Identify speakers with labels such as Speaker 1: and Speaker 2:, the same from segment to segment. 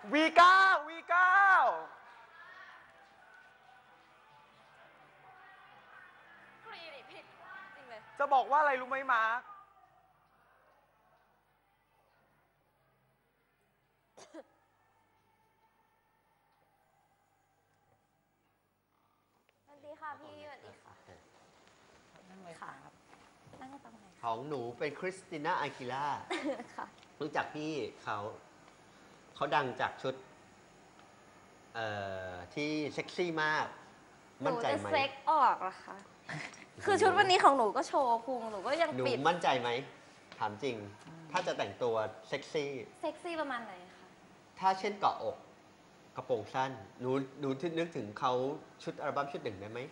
Speaker 1: V9 V9
Speaker 2: กรีดผิดจริงเลย
Speaker 1: จะบอกว่าอะไรรู้ไหมมาร์ค
Speaker 2: สวัสดีค่ะพี่สวัสดีค่ะ
Speaker 3: นั่งเลยครับ
Speaker 2: นั่งตรงไหน
Speaker 4: ของหนูเป็นคริสติน่าอากิล่า
Speaker 2: ค่ะ
Speaker 4: รู้จักพี่เขาดังจากชุดที่เซ็กซี่มาก
Speaker 2: หนู
Speaker 4: มั่นใจ
Speaker 2: จะ
Speaker 4: ไหม
Speaker 2: เซ็กออกเหรอคะคือชุดวันนี้ของหนูก็โชว์พุงหนูก็ยัง
Speaker 4: หนู
Speaker 2: ปิด
Speaker 4: มั่นใจไหมถามจริง ถ้าจะแต่งตัวเซ็กซี่
Speaker 2: เซ็กซี่ประมาณไหนคะ
Speaker 4: ถ้าเช่นเกาะอกกระโปรงสั้นหนูนึกถึงเขาชุดอัลบั้มชุดหนึ่งได้ไหม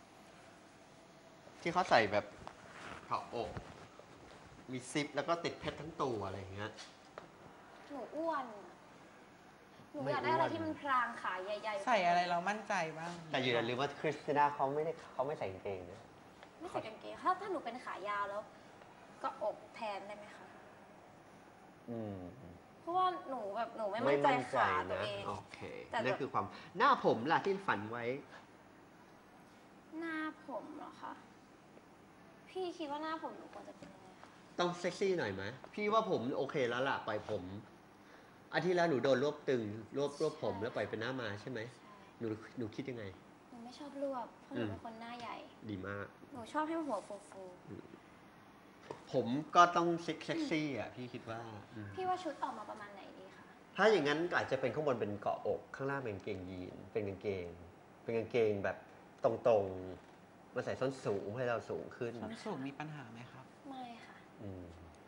Speaker 4: ที่เขาใส่แบบเกาะอก มีซิปแล้วก็ติดเพชรทั้งตัวอะไรอย่างเงี้ย
Speaker 2: หนูอ้วนอะหนู
Speaker 4: ไม่
Speaker 2: อยากได้อะไร
Speaker 4: อ้วน
Speaker 2: ที่มันพรางขาใหญ่ๆ
Speaker 3: ใส่อะไรเรามั่นใจบ้าง
Speaker 4: แต่อย่าลืมว่าคริสติน่าเขาไม่ใส่กางเกงนะ
Speaker 2: ไม่ใส่กางเกงถ้าหนูเป็นขายาวแล้ว ก็อกแทนได้ไหมคะ
Speaker 4: อืม
Speaker 2: เพราะว่าหนูไม่มั่นใจขาตัวเอง
Speaker 4: โอเค
Speaker 2: แต่แบบ
Speaker 4: นั่นคือความหน้าผมล่ะที่ฝันไว้
Speaker 2: หน้าผมเหรอคะพี่คิดว่าหน้าผมหนูควรจะเป็นยังไงคะ
Speaker 4: ต้องเซ็กซี่หน่อยไหมพี่ว่าผมโอเคแล้วล่ะปล่อยผมอาทิตย์แล้วหนูโดนรวบตึงรวบผมแล้วปล่อยเป็นหน้ามาใช่ไหม
Speaker 2: ใช่
Speaker 4: หนูคิดยังไง
Speaker 2: หนูไม่ชอบรวบเพราะหนูเป็นคนหน้าใหญ่
Speaker 4: ดีมาก
Speaker 2: หนูชอบให้หัวฟู
Speaker 4: ผมก็ต้องเซ็กซี่อ่ะพี่คิดว่า
Speaker 2: ๆพี่ว่าชุดออกมาประมาณไหนดีคะ
Speaker 4: ถ้าอย่างนั้นก็อาจจะเป็นข้างบนเป็นเกาะอกข้างล่างเป็นกางเกงยีนเป็นกางเกงแบบตรงๆมาใส่ส้นสูงให้เราสูงขึ้น
Speaker 3: ส้นสูงมีปัญหาไหมครับ
Speaker 2: ไม่ค่ะ
Speaker 4: อืม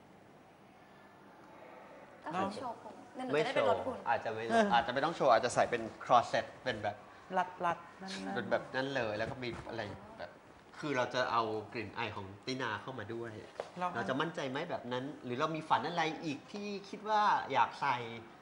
Speaker 2: ก็คือโชว์ผมเดี๋ยวหนู
Speaker 4: ไม่
Speaker 2: จะได้
Speaker 4: โช
Speaker 2: เป็นรถ
Speaker 4: ว์
Speaker 2: หุ่น
Speaker 4: อาจจะไม่ต้องโชว์อาจจะใส่เป็นครอสเซ็ตเป็นแบบ
Speaker 3: รัดนั่น
Speaker 4: เป็นแบบนั้นเลยแล้วก็มีอะไรแบบคือเราจะเอากลิ่นอายของตินาเข้ามาด้วย เราจะมั่นใจไหมแบบนั้น หรือเรามีฝันอะไรอีกที่คิดว่าอยากใส่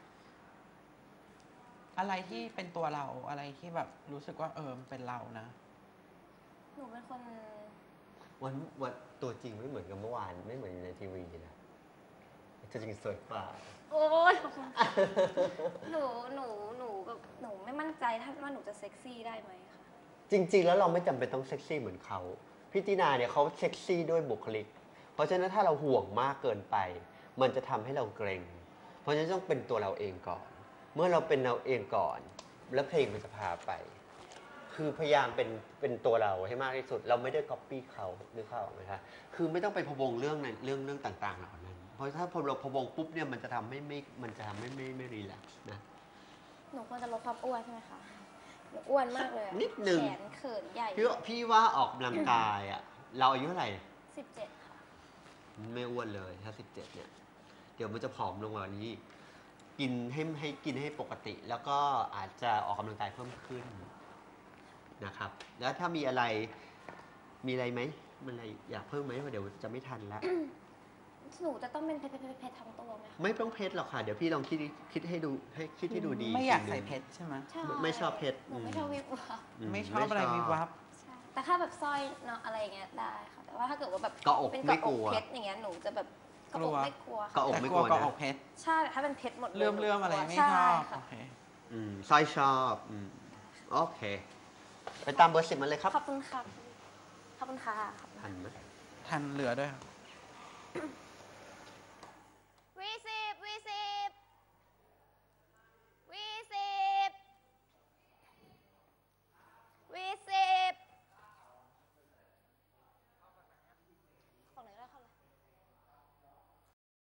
Speaker 3: อะไรที่เป็นตัวเราอะไรที่แบบรู้สึกว่ามันเป็นเรานะ
Speaker 2: หนูเป็นคน
Speaker 4: วันตัวจริงไม่เหมือนกับเมื่อวานไม่เหมือนในทีวีนะตัวจริงสวยกว่า
Speaker 2: โอ๊ยหนูไม่มั่นใจถ้าว่าหนูจะเซ็กซี่ได้ไหมคะ
Speaker 4: จริง ๆ แล้วเราไม่จำเป็นต้องเซ็กซี่เหมือนเขาพี่ตินาเนี่ยเขาเซ็กซี่ด้วยบุคลิก เพราะฉะนั้นถ้าเราห่วงมากเกินไป มันจะทำให้เราเกรงเพราะฉะนั้นต้องเป็นตัวเราเองก่อน เมื่อเราเป็นเราเองก่อน แล้วเพลงมันจะพาไป คือพยายามเป็นตัวเราให้มากที่สุด เราไม่ได้ก๊อปปี้เขาหรือเขาไหมคะคือไม่ต้องไปพะวงเรื่องต่างๆเหล่านั้น เพราะถ้าพอเราพะวงปุ๊บเนี่ยมันจะทำให้ไม่รีแลกซ์นะ
Speaker 2: หนูควรจะลดความอ้วนใช่ไหมคะหนูอ้วนมากเลยอะ
Speaker 4: นิดนึง
Speaker 2: แขนเขินใหญ่
Speaker 4: พี่ว่าออกกำลังกายอ่ะเราอายุเท่าไหร่
Speaker 2: 17 ค่ะ
Speaker 4: ไม่อ้วนเลยถ้า17เนี่ยเดี๋ยวมันจะผอมลงกว่านี้ กินให้ปกติ แล้วก็อาจจะออกกำลังกายเพิ่มขึ้นนะครับ แล้วถ้ามีอะไรไหมมันอะไรอยากเพิ่มไหมเพราะเดี๋ยวจะไม่ทันแล้ว
Speaker 2: หนูจะต้องเป็นเพชรทั้งตัวไหมคะ
Speaker 4: ไม่ต้องเพชรหรอกค่ะเดี๋ยวพี่ลองคิดให้ดูดี
Speaker 3: ไม่อยาก
Speaker 4: สิ่งห
Speaker 3: ใส่
Speaker 4: นึ่ง
Speaker 3: เพชรใช่ไหม
Speaker 2: ใช่
Speaker 4: ไม่ชอบเพชร
Speaker 2: หนูไม่ชอบวิบวับ
Speaker 3: ไม่ชอบอะไรวิบวับ
Speaker 2: ใช่แต่ถ้าแบบสร้อยเนาะอะไรอย่างเงี้ยได้ค่ะ แต่ว่าถ้าเกิดว่าแบบ
Speaker 4: เกาะอก
Speaker 2: เป็น
Speaker 4: ไม่
Speaker 2: เกาะ
Speaker 4: ก
Speaker 2: อ
Speaker 4: ลั
Speaker 2: ก
Speaker 4: ว
Speaker 2: เพชรอย่างเงี้ยหนูจะแบบเกาะอกไม่กลัว
Speaker 4: เกาะอก
Speaker 3: แต่
Speaker 4: ไม่
Speaker 3: ก
Speaker 4: ก
Speaker 3: ลั
Speaker 4: ลั
Speaker 3: ว
Speaker 4: ว
Speaker 3: ก็
Speaker 4: นะ
Speaker 3: ออกเพชร
Speaker 2: ใช่ถ้าเป็นเพชรหมดเลย
Speaker 3: เลื่อมอะไรไม่ช
Speaker 2: ใช่
Speaker 3: อบ
Speaker 2: ค่ะ
Speaker 3: โอเค
Speaker 4: สร้อยชอบโอเค ไปตามเบอร์10มาเลยครับ
Speaker 2: ขอบคุณค่ะขอบคุณค่ะ
Speaker 4: ทันไหม
Speaker 3: ทันเหลือด้วยครับ